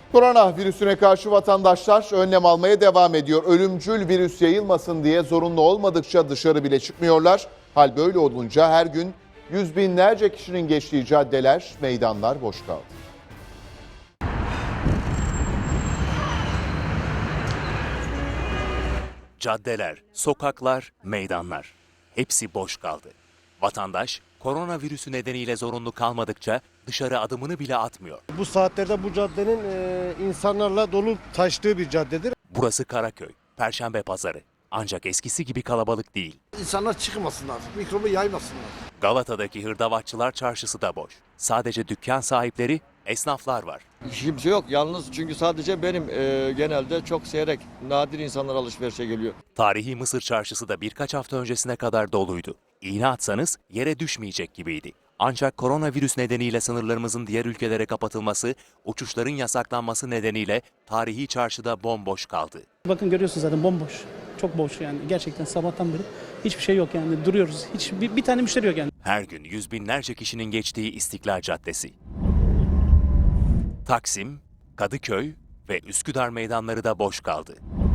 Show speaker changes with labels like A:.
A: Koronavirüsüne karşı vatandaşlar önlem almaya devam ediyor. Ölümcül virüs yayılmasın diye zorunlu olmadıkça dışarı bile çıkmıyorlar. Hal böyle olunca her gün yüz binlerce kişinin geçtiği caddeler, meydanlar boş kaldı.
B: Caddeler, sokaklar, meydanlar hepsi boş kaldı. Vatandaş koronavirüsü nedeniyle zorunlu kalmadıkça dışarı adımını bile atmıyor.
C: Bu saatlerde bu caddenin insanlarla dolu taştığı bir caddedir.
B: Burası Karaköy, Perşembe Pazarı. Ancak eskisi gibi kalabalık değil.
D: İnsanlar çıkmasınlar, mikrobu yaymasınlar.
B: Galata'daki Hırdavatçılar Çarşısı da boş. Sadece dükkan sahipleri, esnaflar var.
E: Kimse yok yalnız çünkü sadece benim genelde çok seyrek, nadir insanlar alışverişe geliyor.
B: Tarihi Mısır Çarşısı da birkaç hafta öncesine kadar doluydu. İğne atsanız yere düşmeyecek gibiydi. Ancak koronavirüs nedeniyle sınırlarımızın diğer ülkelere kapatılması, uçuşların yasaklanması nedeniyle tarihi çarşıda bomboş kaldı.
F: Bakın görüyorsunuz zaten bomboş. Çok boş yani. Gerçekten sabahtan beri hiçbir şey yok yani. Duruyoruz. Hiç bir tane müşteri yok yani.
B: Her gün yüz binlerce kişinin geçtiği İstiklal Caddesi. Taksim, Kadıköy ve Üsküdar meydanları da boş kaldı.